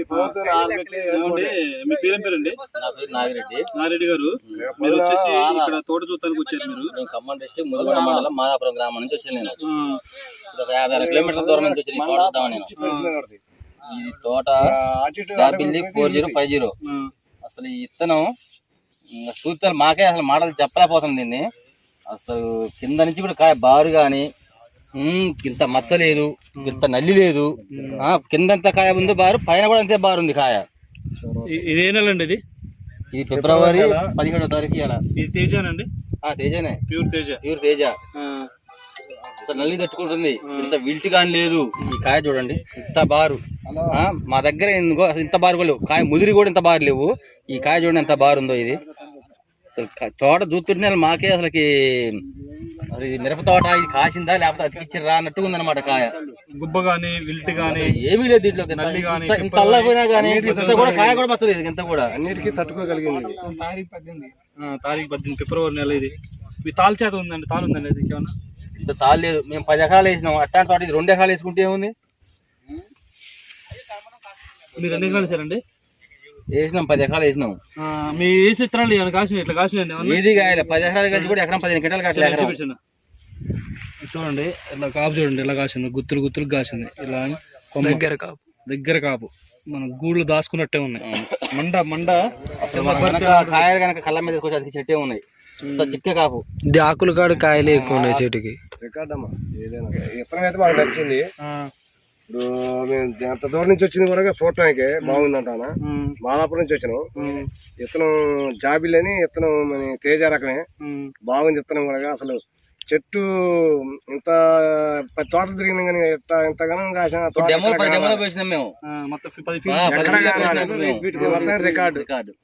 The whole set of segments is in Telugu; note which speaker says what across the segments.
Speaker 1: మీ పేరేం పేరండి?
Speaker 2: నా పేరు నాగిరెడ్డి.
Speaker 1: నాగిరెడ్డి గారు, మీరు వచ్చేసి ఇక్కడ తోట చూస్తానికి వచ్చారు. మీరు
Speaker 2: ఖమ్మం డిస్ట్రిక్ట్ ముదిగొండ మండలం మాదాపురం గ్రామం నుంచి వచ్చాను. నేను ఒక 50 కిలోమీటర్ల దూరం నుంచి వచ్చి తోట చూద్దామని. ఈ తోట జాబిల్లి 4050. అసలు ఈ ఇత్తనం చూస్తారు మాకే అసలు మాటలు చెప్పలేకపోతుంది. దీన్ని అసలు కింద నుంచి కూడా కాయ బారు గాని ఇంత మచ్చ లేదు, ఇంత నల్లి లేదు. కిందంత కాయ ఉంది బారు, పైన కూడా అంతే బారు ఉంది కాయ.
Speaker 1: ఇదే నెల అండి?
Speaker 2: ఇది ఫిబ్రవరి 17వ తారీఖు.
Speaker 1: ఇది తేజానండి?
Speaker 2: తేజనే,
Speaker 1: ప్యూర్
Speaker 2: తేజ. అసలు నల్లి తట్టుకుంటుంది, ఇంత విల్ట్ గాని లేదు. ఈ కాయ చూడండి ఇంత బారు. మా దగ్గర ఇంత బారు కూడా లేవు. కాయ ముదిరి కూడా ఇంత బారు లేవు. ఈ కాయ చూడండి ఎంత బారు ఉందో. ఇది అసలు తోట చూస్తుంటే మాకే అసలుకి మిరప తోట ఇది కాసిందా లేకపోతే అతికిచ్చిరా అన్నట్టుగా ఉందన్నమాట. కాయ
Speaker 1: గుబ్బ గానీ విల్ట్ గానీ
Speaker 2: ఏమీ లేదు దీంట్లో. ఇంత అల్లపోయినా కానీ కూడా కాయ కూడా మచ్చలేదు. ఇంత కూడా
Speaker 1: అన్నిటికీ తట్టుకోగలిగింది. తారీఖు 18 ఫిబ్రవరి నెల. ఇది మీ తాళ చేత ఉందండి? తాళు ఉందండి? అది ఏమన్నా
Speaker 2: ఇంత తాళ లేదు. మేము 10 ఎకరాలు వేసినాం. అట్లాంటి తోట ఇది 2 ఎకరాలు వేసుకుంటే ఏముంది?
Speaker 1: మీరు ఎన్ని ఎకరాలు వేసారండి?
Speaker 2: వేసినాం 10 ఎకరాలు వేసినాం.
Speaker 1: మీ వేసిన ఇత్తనాలు ఏమైనా కాసిన? ఇట్లా కాసినండి?
Speaker 2: ఏది కాయలే. 10 ఎకరాలు కలిసి కూడా ఎకరం 15 క్వింటాలు కాయలేదు.
Speaker 1: చూడండి ఇలా కాపు చూడండి ఎలా కాసింది. గుత్తులు గుత్తులు కాసింది. ఇలా దగ్గర కాపు మన గూళ్ళు దాచుకున్నట్టే ఉన్నాయి. మండ
Speaker 2: అసలు కాయలు కనుక కళ్ళ మీద అది చెట్టే ఉన్నాయి. చిక్క కాపు.
Speaker 3: ఇది ఆకులు కాడు కాయలే ఎక్కువ ఉన్నాయి చెట్టుకి.
Speaker 4: రికార్డ్ అమ్మా ఏదైనా ఇత్తనం అయితే మాకు నచ్చింది. ఇప్పుడు మేము ఎంత దూరం నుంచి వచ్చింది కూడా చూడటానికి బాగుందంటానా. మాదాపురం నుంచి వచ్చినాం. ఇత్తనం జాబిల్ అని ఇత్తనం మన తేజ రకమే బాగుంది. ఇత్తనం కూడా అసలు చెట్టు ఇంత తోటలు తిరిగినా కానీ ఇంతగానో కాసిన రికార్డు.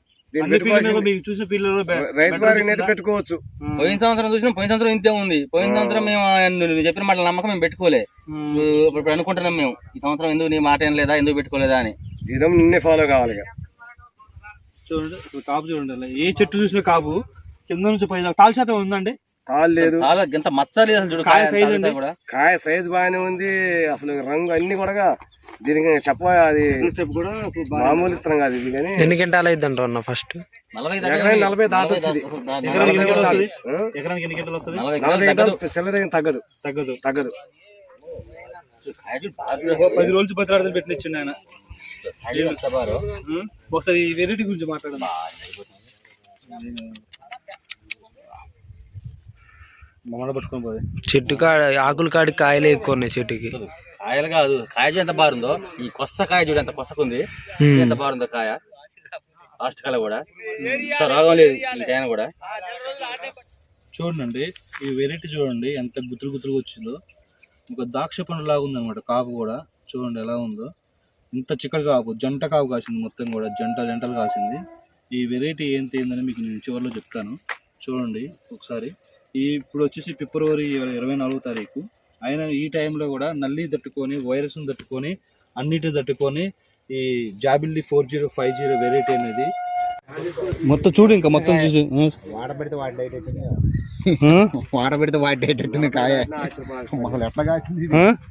Speaker 4: రైతు వారికి పెట్టుకోవచ్చు.
Speaker 2: పోయిన సంవత్సరం చూసినా పోయిన సంవత్సరం ఇంతే ఉంది. పోయిన సంవత్సరం మేము చెప్పిన మాట నమ్మకం మేము పెట్టుకోలే. ఇప్పుడు అనుకుంటున్నాం మేము ఈ సంవత్సరం ఎందుకు నీ మాట ఏం లేదా, ఎందుకు పెట్టుకోలేదా అని.
Speaker 4: ఇదే నిన్నే ఫాలో కావాలి.
Speaker 1: చూడండి కాపు చూడండి. ఏ చెట్టు చూసిన కాపు కింద నుంచి పై తాళ శాతం ఉందండి?
Speaker 4: తాళ్ళు లేదు,
Speaker 2: ఇంత మచ్చ లేదు. అసలు
Speaker 4: కాయ సైజు బాగానే ఉంది. అసలు రంగు అన్ని కూడా దీనికి అది మామూలు ఇత్తనం కాదు ఇది. కానీ
Speaker 3: ఎన్ని గంటలు అయింది అంటారు? ఫస్ట్
Speaker 4: 40 దాటి వచ్చింది.
Speaker 1: ఎకరానికి ఎన్ని గంటలు వస్తుంది?
Speaker 4: 40 గంటలు తగ్గదు.
Speaker 1: 10 రోజులు 10 రాత్రులు పెట్టినిచ్చిండు ఆయన. ఒకసారి ఈ వెరైటీ గురించి మాట్లాడదాం.
Speaker 3: చెట్టు కాడ ఆకులు కాడి కాయలే ఎక్కువ ఉన్నాయి చెట్టుకి.
Speaker 2: కాయలు కాదు, కాయ చూడు ఎంత బారుందో. ఈ కొత్త కాయ చూడు ఎంత కొత్తకుంది, ఎంత బారుందో కాయ. లాస్ట్ కాయ కూడా రాగం లేదు కూడా.
Speaker 1: చూడండి ఈ వెరైటీ చూడండి ఎంత గుత్తులు గుత్తులుగా వచ్చిందో. ఒక ద్రాక్ష పండు లాగా ఉంది అనమాట కాపు కూడా. చూడండి ఎలా ఉందో. ఇంత చిక్కటి కాపు, జంట కాపు కాసింది. మొత్తం కూడా జంటలు కాసింది. ఈ వెరైటీ ఏందని మీకు నేను చివరిలో చెప్తాను. చూడండి ఒకసారి. ఇప్పుడు వచ్చేసి ఫిబ్రవరి 24వ తారీఖు. ఆయన ఈ టైంలో కూడా నల్లి తట్టుకొని, వైరస్ని తట్టుకొని, అన్నిటిని తట్టుకొని ఈ జాబిల్లి 4050 వెరైటీ అనేది మొత్తం చూడు. ఇంకా మొత్తం చూసి
Speaker 4: వాడబెడితే వాడేటట్టుంది కాయ. ఎట్లా కాసింది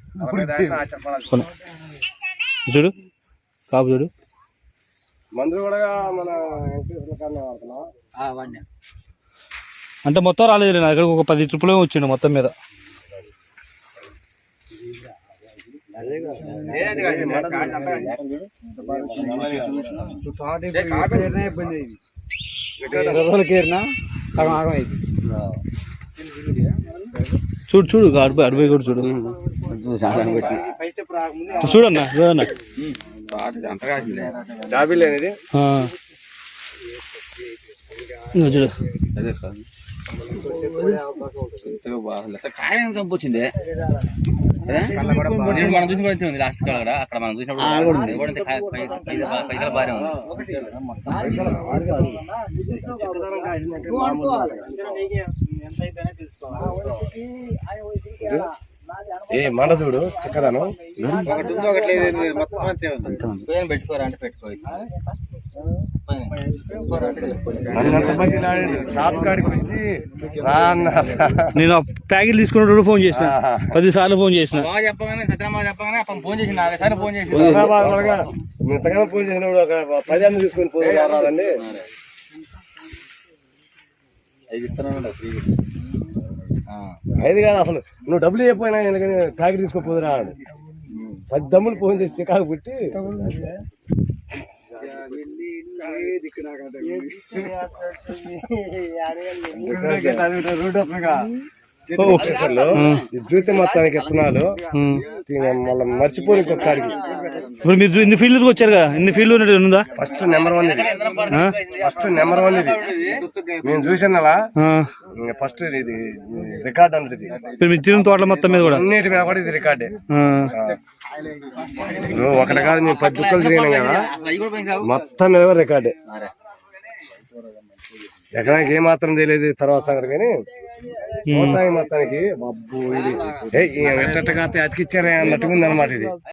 Speaker 1: చూడు కాపు చూడు.
Speaker 4: మందులు కూడా మన
Speaker 1: అంటే మొత్తం రాలేదు. నా దగ్గర ఒక 10 ట్రిప్పులే వచ్చిండు మొత్తం మీద. చూడు అడిపోయి కూడా చూడు. చూడన్నా
Speaker 4: జాబిల్ అనేది
Speaker 1: చూడు.
Speaker 2: కాయ కంపొచ్చింది. మనం చూసినప్పుడు ఉంది లాస్ట్ కాడ కూడా. అక్కడ మనం చూసినప్పుడు బాగానే ఉంది.
Speaker 4: మాట చూడు చిక్కదనం.
Speaker 2: పెట్టుకోరా అంటే పెట్టుకో.
Speaker 1: నేను ప్యాకెట్ తీసుకున్నప్పుడు ఫోన్ చేసిన 10 సార్లు ఫోన్ చేసిన.
Speaker 2: చెప్పగానే సత్యనామా చెప్పగానే ఫోన్ చేసిన 4 సార్లు ఫోన్ చేసిన.
Speaker 4: ఇంతగానో ఫోన్ చేసినప్పుడు ఒక 10 అన్న తీసుకొని పోయి రాదండి.
Speaker 2: 5 ఇస్తున్నాను ఫ్రీగా.
Speaker 4: 5 కాదు అసలు, నువ్వు డబ్బులు ఇవ్వకపోయినా ఎందుకని ప్యాకెట్ తీసుకొని రాడు. 10 దమ్ములు ఫోన్ చేసి చికాకు పెట్టి జీవితం మొత్తానికి విత్తనాలు మళ్ళీ మర్చిపోయి ఇంకొకడికి.
Speaker 1: ఇప్పుడు మీరు ఇన్ని ఫీల్డ్కి వచ్చారు కదా, ఇన్ని ఫీల్డ్ ఉందా?
Speaker 4: ఫస్ట్ నెంబర్ 1 ఇది. నేను చూసాను అలా ఫస్ట్ ఇది రికార్డ్ అన్నది.
Speaker 1: ఇప్పుడు మీ తిరుగు తోటల మొత్తం మీద కూడా
Speaker 4: అన్నిటి మీద కూడా ఇది రికార్డే. ఒకటి కాదు, మేము 10 దుక్కలు తిరిగినాం కదా, మొత్తం మీద కూడా రికార్డే. ఎకరానికి ఏమాత్రం తెలియదు తర్వాత సంగతి, కానీ మొత్తానికి అబ్బు ఇది ఎట్టగా అతికిచ్చారే అన్నట్టుగా ఉంది అనమాట ఇది.